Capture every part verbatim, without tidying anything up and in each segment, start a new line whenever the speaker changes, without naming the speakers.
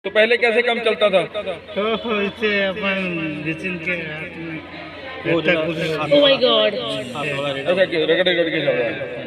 तो पहले कैसे काम चलता था?
तो इसे अपन जितिन के हाथ में
Oh my God.
ऐसा क्यों रगड़ रगड़ के चल रहा है?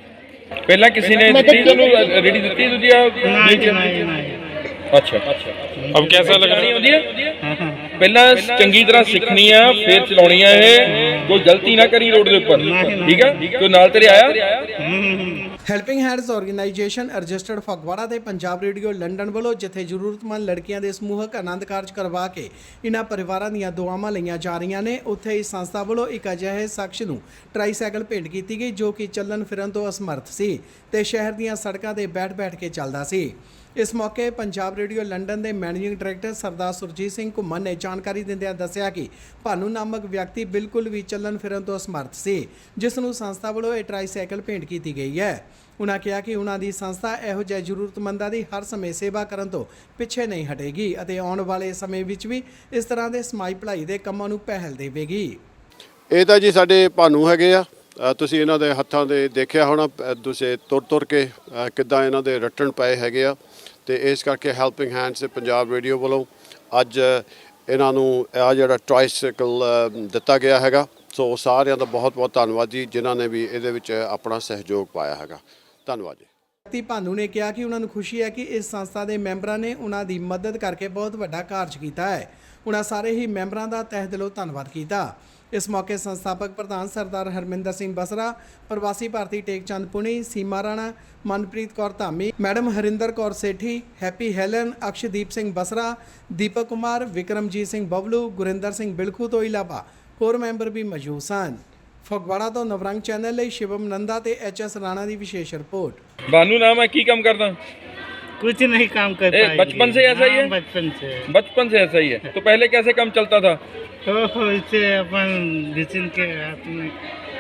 पहला किसी ने ਦਿੱਤੀ ਤੁਹਾਨੂੰ ਰੇੜੀ ਦਿੱਤੀ ਦੂਜੀ ਆ
नहीं नहीं नहीं
ਅੱਛਾ ਅਬ ਕਿਹਦਾ ਲਗਾਣੀ ਹੁੰਦੀ ਹੈ ਪਹਿਲਾਂ ਚੰਗੀ ਤਰ੍ਹਾਂ ਸਿੱਖਣੀ ਆ ਫਿਰ ਚਲਾਉਣੀ ਆ ਇਹ ਕੋਈ ਗਲਤੀ ਨਾ ਕਰੀ ਰੋਡ ਦੇ ਉੱਪਰ ਠੀਕ ਆ ਕੋਈ ਨਾਲ ਤੇਰੇ ਆਇਆ
helping hands organisation registered Phagwara ਤੇ ਪੰਜਾਬ ਰੇਡੀਓ ਲੰਡਨ ਵੱਲੋਂ ਜਿੱਥੇ ਜ਼ਰੂਰਤਮੰਦ ਲੜਕੀਆਂ ਦੇ ਸਮੂਹਕ ਆਨੰਦ ਕਾਰਜ ਕਰਵਾ ਕੇ ਇਹਨਾਂ ਪਰਿਵਾਰਾਂ ਦੀਆਂ ਦੁਆਵਾਂ ਲਈਆਂ ਜਾ ਰਹੀਆਂ ਨੇ, ਉੱਥੇ ਇਸ ਸੰਸਥਾ ਵੱਲੋਂ ਇੱਕ ਅਜਿਹੇ ਸ਼ਖਸ ਨੂੰ ਟਰਾਈਸਾਈਕਲ ਭੇਂਟ ਕੀਤੀ ਗਈ ਜੋ ਕਿ ਚੱਲਣ ਫਿਰਨ ਤੋਂ ਅਸਮਰਥ ਸੀ ਤੇ ਸ਼ਹਿਰ ਦੀਆਂ ਸੜਕਾਂ ਤੇ ਬੈਠ-ਬੈਠ ਕੇ ਚੱਲਦਾ ਸੀ। ਇਸ ਮੌਕੇ ਪੰਜਾਬ ਰੇਡੀਓ ਲੰਡਨ ਦੇ ਮੈਨੇਜਿੰਗ ਡਾਇਰੈਕਟਰ ਸਰਦਾਰ ਸੁਰਜੀਤ ਸਿੰਘ ਘੁੰਮਣ ਨੇ ਜਾਣਕਾਰੀ ਦਿੰਦਿਆਂ ਦੱਸਿਆ ਕਿ ਭਾਨੂ ਨਾਮਕ ਵਿਅਕਤੀ ਬਿਲਕੁਲ ਵੀ ਚੱਲਣ ਫਿਰਨ ਤੋਂ ਅਸਮਰਥ ਸੀ, ਜਿਸ ਨੂੰ ਸੰਸਥਾ ਵੱਲੋਂ ਇਹ ਟਰਾਈਸਾਈਕਲ ਭੇਂਟ ਕੀਤੀ ਗਈ ਹੈ। ਉਨ੍ਹਾਂ ਕਿਹਾ ਕਿ ਉਨ੍ਹਾਂ ਦੀ ਸੰਸਥਾ ਇਹੋ ਜਿਹੇ ਜ਼ਰੂਰਤਮੰਦਾਂ ਦੀ ਹਰ ਸਮੇਂ ਸੇਵਾ ਕਰਨ ਤੋਂ ਪਿੱਛੇ ਨਹੀਂ ਹਟੇਗੀ ਅਤੇ ਆਉਣ ਵਾਲੇ ਸਮੇਂ ਵਿੱਚ ਵੀ ਇਸ ਤਰ੍ਹਾਂ ਦੇ ਸਮਾਜ ਭਲਾਈ ਦੇ ਕੰਮਾਂ ਨੂੰ ਪਹਿਲ ਦੇਵੇਗੀ।
ਇਹ ਤਾਂ ਜੀ ਸਾਡੇ ਭਾਨੂ ਹੈਗੇ ਆ, ਤੁਸੀਂ ਇਹਨਾਂ ਦੇ ਹੱਥਾਂ ਦੇ ਦੇਖਿਆ ਹੋਣਾ, ਤੁਸੀਂ ਤੁਰ ਤੁਰ ਕੇ ਕਿੱਦਾਂ ਇਹਨਾਂ ਦੇ ਰੱਟਣ ਪਏ ਹੈਗੇ ਆ ਤੇ ਇਸ ਕਰਕੇ ਹੈਲਪਿੰਗ ਹੈਂਡਸ ਪੰਜਾਬ ਰੇਡੀਓ ਵੱਲੋਂ ਅੱਜ ਇਹਨਾਂ ਨੂੰ ਆ ਜਿਹੜਾ ਟਰਾਈਸਾਈਕਲ ਦਿੱਤਾ ਗਿਆ ਹੈਗਾ। ਸੋ ਸਾਰਿਆਂ ਦਾ ਬਹੁਤ ਬਹੁਤ ਧੰਨਵਾਦ ਜੀ ਜਿਨ੍ਹਾਂ ਨੇ ਵੀ ਇਹਦੇ ਵਿੱਚ ਆਪਣਾ ਸਹਿਯੋਗ ਪਾਇਆ ਹੈਗਾ। ਧੰਨਵਾਦ ਜੀ।
ਵਿਅਕਤੀ ਭਾਨੂ ਨੇ ਕਿਹਾ ਕਿ ਉਹਨਾਂ ਨੂੰ ਖੁਸ਼ੀ ਹੈ ਕਿ ਇਸ ਸੰਸਥਾ ਦੇ ਮੈਂਬਰਾਂ ਨੇ ਉਹਨਾਂ ਦੀ ਮਦਦ ਕਰਕੇ ਬਹੁਤ ਵੱਡਾ ਕਾਰਜ ਕੀਤਾ ਹੈ। ਉਹਨਾਂ ਸਾਰੇ ਹੀ ਮੈਂਬਰਾਂ ਦਾ ਤਹਿ ਦਿਲੋਂ ਧੰਨਵਾਦ ਕੀਤਾ। ਇਸ ਮੌਕੇ ਸੰਸਥਾਪਕ ਪ੍ਰਧਾਨ ਸਰਦਾਰ ਹਰਮਿੰਦਰ ਸਿੰਘ ਬਸਰਾ, ਪ੍ਰਵਾਸੀ ਭਾਰਤੀ Tekchand Puni, Seema Rana, Manpreet Kaur Dhami, madam Harinder Kaur Sethi, Happy Helen, Akashdeep Singh Basra, Deepak Kumar, Vikramjit Singh Bablu, Gurinder Singh Bilkhu ਤੋਂ ਇਲਾਵਾ ਹੋਰ ਮੈਂਬਰ ਵੀ ਮੌਜੂਦ ਸਨ। ਫਗਵਾੜਾ ਤੋਂ ਨਵਰੰਗ ਚੈਨਲ ਲਈ ਸ਼ਿਵਮ ਨੰਦਾ ਤੇ ਐਚ ਐਸ ਰਾਣਾ ਦੀ ਵਿਸ਼ੇष रिपोर्ट।
भानु नाम है की काम करता?
कुछ नहीं काम कर
ए,
पाएगी।
बचपन से ऐसा ही है?
हाँ, बचपन से
बचपन से ऐसा ही है। तो पहले कैसे काम चलता था?
तो इसे अपन जितिन के हाथ में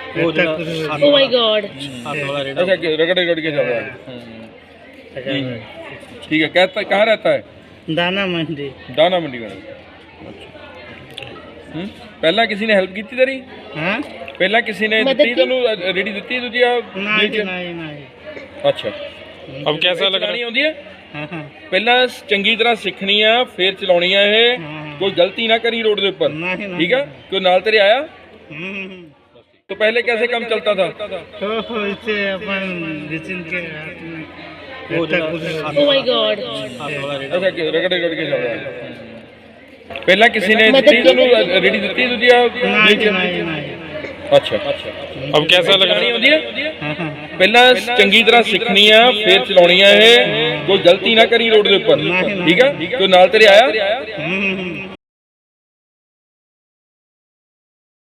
Oh my God.
ऐसा क्यों रगड़ रगड़ के चल रहा है? ठीक है, कहता कहाँ रहता है?
दाना मंडी।
दाना मंडी में। हम्म पहला किसी ने हेल्प की थी तेरी?
हाँ
ਪਹਿਲਾਂ ਕਿਸੇ ਨੇ ਦਿੱਤੀ ਤੁਹਾਨੂੰ ਰੇੜੀ ਦਿੱਤੀ ਦੂਜੀ ਆ
नहीं नहीं नहीं
ਅੱਛਾ ਅਬ ਕਿਹਦਾ ਲਗਾਣੀ ਹੁੰਦੀ ਹੈ
हाँ
ਪਹਿਲਾਂ ਚੰਗੀ ਤਰ੍ਹਾਂ ਸਿੱਖਣੀ ਆ ਫਿਰ ਚਲਾਉਣੀ ਆ ਇਹ ਕੋਈ ਗਲਤੀ ਨਾ ਕਰੀ ਰੋਡ ਦੇ ਉੱਪਰ
नहीं
ठीक है कोई नाल तेरे आया
नहीं
तो पहले कैसे काम चलता था?
तो इसे अपन जितिन के हाथ में
Oh my God.
ऐसा क्यों रगड़ रगड़ के चल रहा है? ਪਹਿਲਾਂ ਕਿਸੇ ਨੇ ਦਿੱਤੀ ਤੁਹਾਨੂੰ ਰੇੜੀ ਦਿੱਤੀ ਦੂਜੀ ਆ
नहीं नहीं नहीं
ਅੱਛਾ ਅਬ ਕਿਹਦਾ ਲਗਾਣੀ ਹੁੰਦੀ ਹੈ ਪਹਿਲਾਂ ਚੰਗੀ ਤਰ੍ਹਾਂ ਸਿੱਖਣੀ ਆ ਫਿਰ ਚਲਾਉਣੀ ਆ ਇਹ ਕੋਈ ਗਲਤੀ ਨਾ ਕਰੀ ਰੋਡ ਦੇ ਉੱਪਰ ਠੀਕ ਆ ਕੋਈ ਨਾਲ ਤੇਰੇ ਆਇਆ